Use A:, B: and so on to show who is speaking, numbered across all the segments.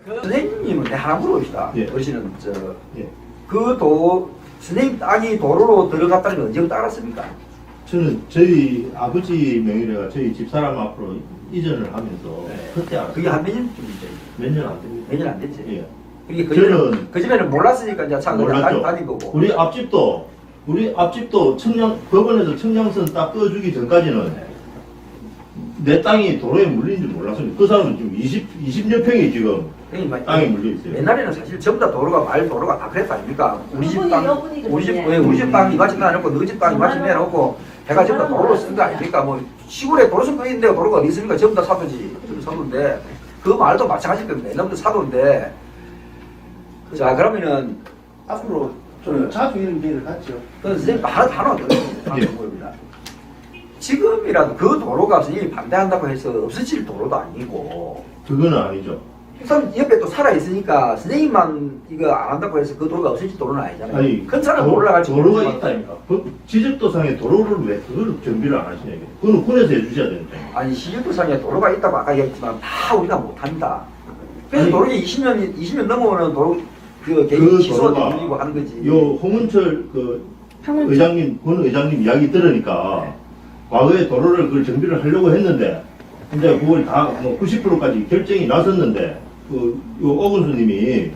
A: 선생님은 내 하나 물어봅시다.
B: 예.
A: 어르신은
B: 예.
A: 선생님 땅이 도로로 들어갔다는 게 언제부터 알았습니까?
B: 저는 저희 아버지 명의로가 저희 집사람 앞으로 이전을 하면서
A: 네.
B: 그때 알았어요.
A: 그게 한 몇 년쯤이죠?
B: 몇 년 안 됩니다.
A: 몇 년 안 됐지?
B: 예.
A: 그게
B: 저는
A: 그 전에는 몰랐으니까 이제 참
B: 몰랐죠.
A: 다닌 거고.
B: 우리 앞집도 법원에서 청량선 딱 끄주기 전까지는 내 땅이 도로에 물린 줄 몰랐습니다. 그 사람은 지금 20여 평이 지금
A: 그러니까
B: 땅에 물려 있어요.
A: 옛날에는 사실 전부 다 도로가 마을 도로가 다 그랬다 아닙니까? 우리 집
C: 여분이,
A: 땅,
C: 여분이거든요.
A: 우리 집 땅 이마치 내놓고 너희 집 땅 이마치 내놓고 해가 전부 다 도로로 쓴 거 아닙니까? 뭐 시골에 도로 선거 있는데 도로가 어디 있습니까? 전부 다 사도지. 사도인데 그 말도 마찬가지일 겁니다. 옛날부터 사도인데 자 그러면은
D: 앞으로 좀 자주 이런 기회를 갖죠.
A: 그 선생님 하나 더
B: 예.
A: 보입니다. 지금이라도 그 도로가 선생님이 반대한다고 해서 없어질 도로도 아니고
B: 그거는 아니죠.
A: 우선 옆에 또 살아있으니까 선생님만 이거 안 한다고 해서 그 도로가 없어질 도로는 아니잖아요.
B: 아니,
A: 큰 차는 올라갈지
B: 도로가
A: 모르지만
B: 있다니까. 지적도상에 도로를 왜 그걸 정비를 안 하시냐 이게. 그거는 군에서 해주셔야 되는 거예요.
A: 아니 시주도상에 도로가 있다고 아까 얘기했지만 다 우리가 못합니다. 그래서
B: 아니,
A: 도로에 20년 넘어오는 도로 그 개인
B: 그
A: 시소가
B: 도로가
A: 밀리고 하는 거지.
B: 요 홍은철 군 의장님 이야기 들으니까 과거에 도로를 그걸 정비를 하려고 했는데 이제 그걸 다 뭐 90%까지 결정이 났었는데 요 오근수님이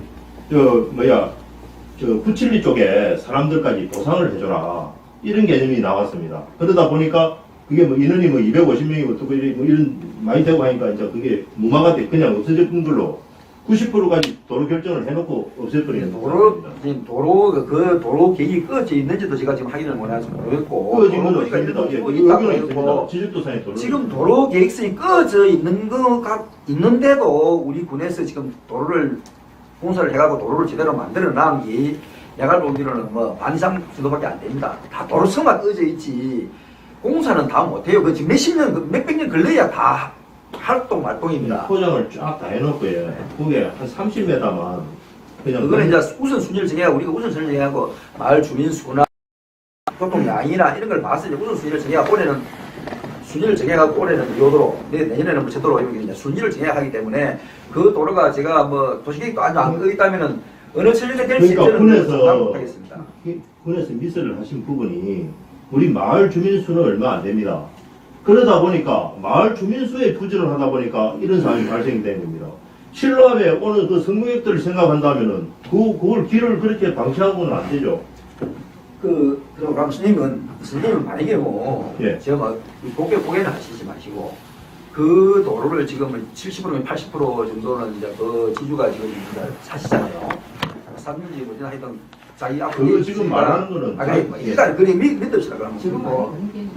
B: 구칠리 쪽에 사람들까지 보상을 해줘라 이런 개념이 나왔습니다. 그러다 보니까 그게 뭐 인원이 뭐 250명이고 또 이런 많이 되고 하니까 이제 그게 무마가 돼 그냥 없어졌던 걸로 90%까지 도로 결정을 해놓고 없애버리는
A: 도로 그 도로 계획이 꺼져 있는지도 제가 지금 확인을 못해서 모르겠고
B: 꺼진 건
A: 도로가
B: 없습니다.
A: 있고
B: 예,
A: 있다고
B: 여기는
A: 해놓고
B: 없습니다. 지적도상에 도로
A: 지금 도로 계획성이 꺼져 있는 거가 있는데도 우리 군에서 지금 도로를 공사를 해가고 도로를 제대로 만들어 놔은 게 내가 보기로는 뭐 반 이상 정도밖에 안 됩니다. 다 도로성만 꺼져 있지 공사는 다 못해요. 그 지금 몇백 년 걸려야 다 활동입니다.
B: 포장을 쫙 다 해놓고 예. 그게 한 30m만 그냥
A: 그거는 이제 우선순위를 정해야 우리가 우선순위를 정해하고 마을 주민 수나 교통량이나 이런 걸 봤을 때 우선순위를 정해야 올해는 순위를 정해가지고 올해는 이 도로 내년에는 뭐 제도로 이제 순위를 정해야 하기 때문에 그 도로가 제가 뭐 도시계획도 아주 안 끄있다면은 어느 천년에 될 수
B: 그러니까
A: 있는
B: 군에서
A: 못하겠습니다.
B: 군에서 미스를 하신 부분이 우리 마을 주민 수는 얼마 안 됩니다. 그러다 보니까 마을 주민 수에 부지를 하다 보니까 이런 상황이 발생이 된 겁니다. 실로암에 오늘 그 성공객들을 생각한다면은 그걸 길을 그렇게 방치하고는 안 되죠.
A: 그럼 선생님은 만약에 뭐
B: 예.
A: 제가 뭐 고개는 하시지 마시고 그 도로를 지금 70%면 80% 정도는 이제 그 지주가 지금 이제 사시잖아요. 샀는지 뭐지 하여튼 자기 앞으로
B: 그거 지금 말하는 거는
A: 뭐 일단 그래 믿읍시다 그러면 지금 뭐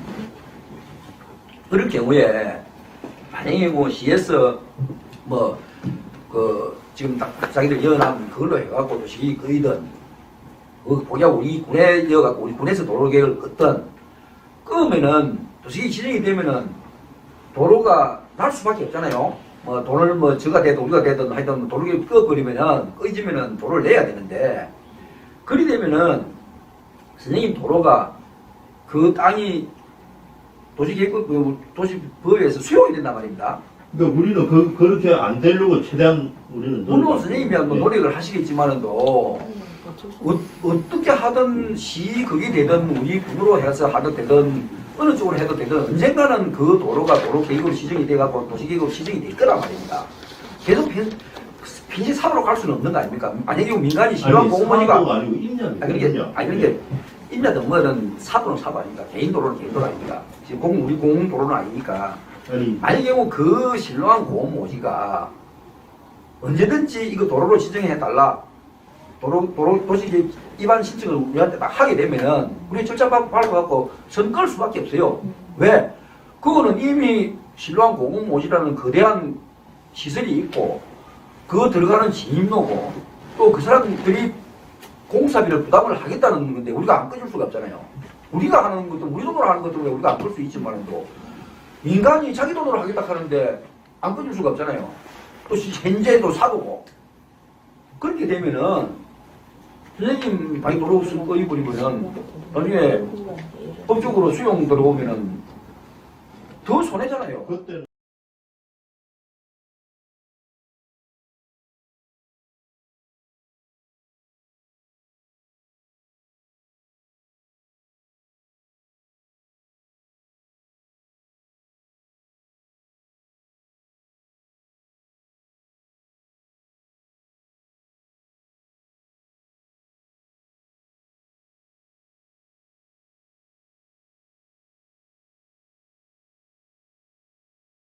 A: 그럴 경우에 만약에 뭐 시에서 뭐 그 지금 딱 자기들 연합 그걸로 해갖고 도시 거이든 보자 우리 군에 이어갖고 우리 군에서 도로 계획을 껐던 끄면은 도시 지정이 되면은 도로가 날 수밖에 없잖아요. 뭐 돈을 뭐 저가 되든 우리가 되든 하여튼 도로 계획 꺼버리면은 꺼지면은 도로를 내야 되는데 그리 되면은 선생님 도로가 그 땅이 도시법에서 수용이 된단 말입니다.
B: 그러니까 우리는 그렇게 안 되려고 최대한 우리는
A: 물론 선생님이 뭐 노력을 하시겠지만은도 어떻게 하든 그게 되든 우리 군으로 해서 하든 되든 어느 쪽으로 해도 되든 언젠가는 그 도로가 도로 계획으로 지정이 돼갖고 도시 계획으로 지정이 될 거란 말입니다. 계속 빈시 사도로 갈 수는 없는 거 아닙니까? 만약에 민간이 실효한 공무원이가
B: 아니고 임야입니다.
A: 그러니까 임야든 뭐든 사도는 사도 아닙니까? 개인 도로는 개인 도로 아닙니까? 지금 우리 공공 도로는 아니니까. 만약에 그 신뢰한 공무원이가 언제든지 이거 도로로 지정해달라. 도시 입안 신청을 우리한테 딱 하게 되면은 우리 절차 밟아갖고 선 끌 수밖에 없어요. 왜? 그거는 이미 신뢰한 공무원이라는 거대한 시설이 있고 그 들어가는 진입로고 또 그 사람들이 공사비를 부담을 하겠다는 건데 우리가 안 꺼줄 수가 없잖아요. 우리가 하는 것도 우리 돈으로 하는 것도 우리가 안 끌 수 있지만도 민간이 자기 돈으로 하겠다 하는데 안 꺼줄 수가 없잖아요. 또 현재도 사도고 그렇게 되면은 선생님 방이 도로 꺼입버리면은 나중에 법적으로 수용 들어오면은 더 손해잖아요.
B: 그때는